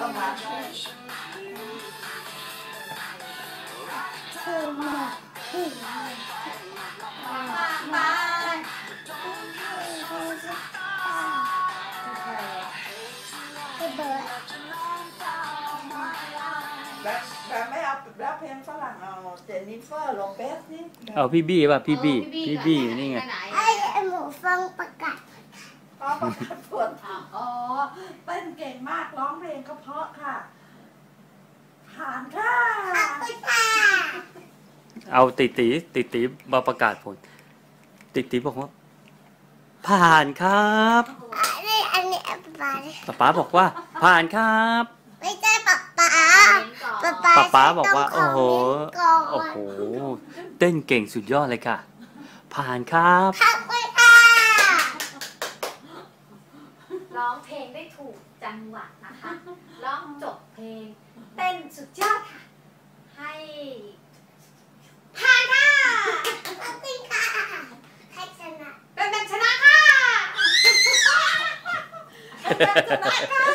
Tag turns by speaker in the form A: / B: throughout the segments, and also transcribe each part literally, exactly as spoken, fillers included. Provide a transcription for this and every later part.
A: สมาธิ
B: คือมาคือมามาคือเบิร์ด
A: แบบแบบไม่เอาแบบเพลงฝรั่งเอาเจนนิเฟอร์โลเปสนี่
C: เอาพี่บี้ป่ะพี่บี้พี่บี้นี่ไง
B: ไอ้หมูฟังประกาศ
A: อ๋อประกาศผลอ๋อเต้นเก่งมากร้องเพลงก็เพราะค่ะผ่านค่ะ
B: ขอบคุณค่ะ
C: เอาติตีติตีมาประกาศผลติตีบอกว่าผ่านครับ
B: อันนี้อันนี้ป๊า
C: ป๊าป๊าบอกว่าผ่านครับ
B: ไม่ใช่ป๊าป๊าป๊าป๊า
C: ป๊าป๊าบอกว่าโอ้โหโอ้
B: โอ้
C: โหเต้นเก่งสุดยอดเลยค่ะผ่านครับ
B: ขอบคุณค่ะ
D: ร้องเพลงได้ถูกจังหวะนะคะร้องจบเพลงเต้นสุดยอดค่ะให้
B: ผ่านค่ะขอบคุณค่ะให้ชนะ
D: เป็นแบบชนะค่ะ
A: เป็นแบบชนะค่ะ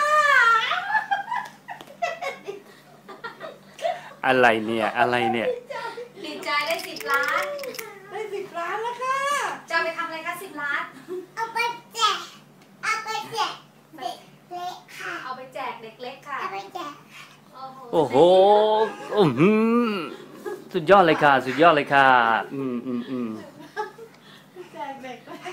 C: อะไรเนี่ยอะไรเนี่ย
D: ดีใจได้สิบล้าน
A: ได้สิบล้านแล้วค่ะ
D: จะไปทำอะไรคะสิบล้าน
B: เอาไปแจกเอาไปแจกเด็กเล็กค่ะ
D: เอาไปแจกเด็กเล็กค่ะ
B: เอาไปแจก
C: โอ้โหอืมสุดยอดเลยค่ะสุดยอดเลยค่ะอืมอืมอืม
A: แจกเด็กเลย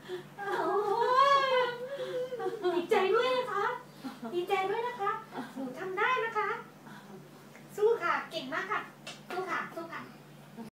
D: ดีใจด้วยนะคะดีใจด้วยนะคะหนูทำได้นะคะสู้ค่ะเก่งมากค่ะสู้ค่ะสู้ค่ะ